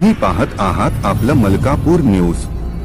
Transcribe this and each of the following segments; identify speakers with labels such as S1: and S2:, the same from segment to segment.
S1: तुम्ही पाहत आहात आपलं मलकापूर न्यूज।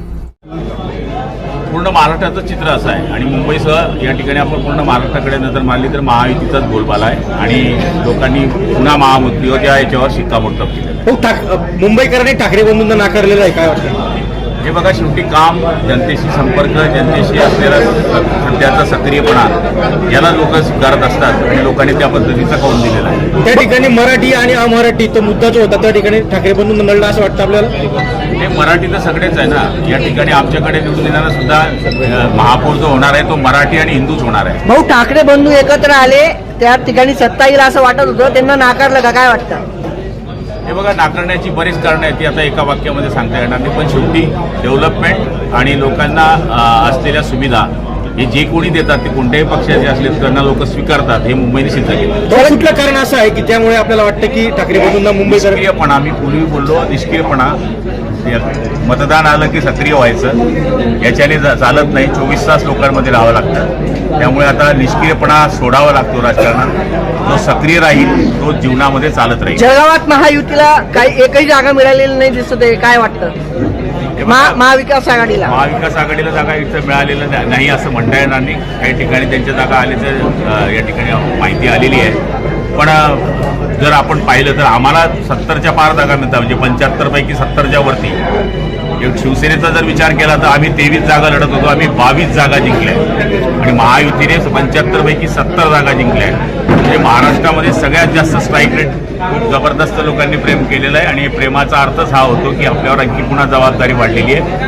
S2: पूर्ण महाराष्ट्राचं चित्र असं आहे आणि मुंबईसह या ठिकाणी आपण पूर्ण महाराष्ट्राकडे नजर मारली तर महायुतीचाच बोलबाला आहे आणि लोकांनी पुन्हा महायुतीच्या याच्यावर शिक्कामोर्तब केलेलं आहे।
S3: मुंबईकरांनी ठाकरे बंधूंना नाकारलेलं आहे, काय वाटतं?
S2: हे बघा, शेवटी काम, जनतेशी संपर्क, जनतेशी असलेला सध्याचा सक्रियपणा याला लोक स्वीकारत असतात आणि लोकांनी त्या पद्धतीचा कौल दिलेला आहे।
S3: त्या ठिकाणी मराठी आणि अमराठी तो मुद्दा जो होता त्या ठिकाणी ठाकरे बंधूंना नळला असं वाटतं आपल्याला?
S2: हे मराठी तर सगळेच आहे ना, या ठिकाणी आमच्याकडे निवडून येणारा सुद्धा महापौर जो होणार आहे तो मराठी आणि हिंदूच होणार आहे।
S4: भाऊ, ठाकरे बंधू एकत्र आले त्या ठिकाणी सत्ता येईल असं वाटत होतं, त्यांना नाकारलं का, काय वाटतं?
S2: हे बघा, नाकारण्याची बरीच कारणं आहेत, ती आता एका वाक्यामध्ये सांगता येणार नाही, पण शेवटी डेव्हलपमेंट आणि लोकांना असलेल्या सुविधा हे जे कोणी देतात ते कोणत्याही पक्षाचे असले त्यांना लोक स्वीकारतात, हे मुंबईने सिद्ध केलं।
S3: कुठलं कारण असं आहे की त्यामुळे आपल्याला वाटतं की ठाकरे बंधूंना मुंबईकर
S2: निष्क्रियपणा, मी पूर्वी बोललो निष्क्रियपणा, मतदान आलं की सक्रिय व्हायचं, याच्याने चालत नाही, 24 तास लोकांमध्ये राहावं लागतं, त्यामुळे आता निष्क्रियपणा सोडावा लागतो राजकारणात, जो सक्रिय राहील तो जीवनामध्ये चालत राहील।
S4: जळगावात महायुतीला काही एकही जागा मिळालेली नाही दिसत आहे, काय वाटतं? महाविकास आघाडीला
S2: जागा इथं मिळालेलं नाही असं म्हणता येणार नाही, काही ठिकाणी त्यांच्या जागा आल्याचं या ठिकाणी माहिती आलेली आहे, पण जर आपण पाहिलं तर आम्हाला 70च्या पार जागा मिळतात, म्हणजे 75 पैकी 70च्या वरती। शिवसेनेचा जर विचार केला तर आम्ही 23 जागा लढत होतो, आम्ही 22 जागा जिंकल्या आणि महायुतीने 75 पैकी 70 जागा जिंकल्या। म्हणजे महाराष्ट्रामध्ये सगळ्यात जास्त स्ट्राईक रेट खूप जबरदस्त लोकांनी प्रेम केलेलं आहे आणि प्रेमाचा अर्थच हा होतो की आपल्यावर आणखी पुन्हा जबाबदारी वाढलेली आहे।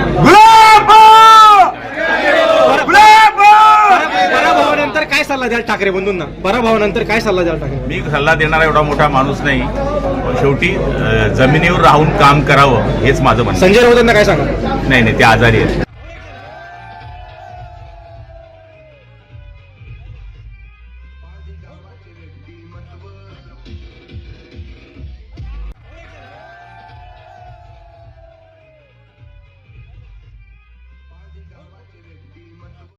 S3: पराभवानंतर काय सल्ला द्याल ठाकरे बंधूंना? पराभवानंतर काय सल्ला द्याल ठाकरे?
S2: मी सल्ला देणारा एवढा मोठा माणूस नाही, शेवटी जमिनीवर राहून काम करावं हेच माझं म्हणणं।
S3: संजय राऊतांना काय सांगा?
S2: नाही, ते आजारी आहेत।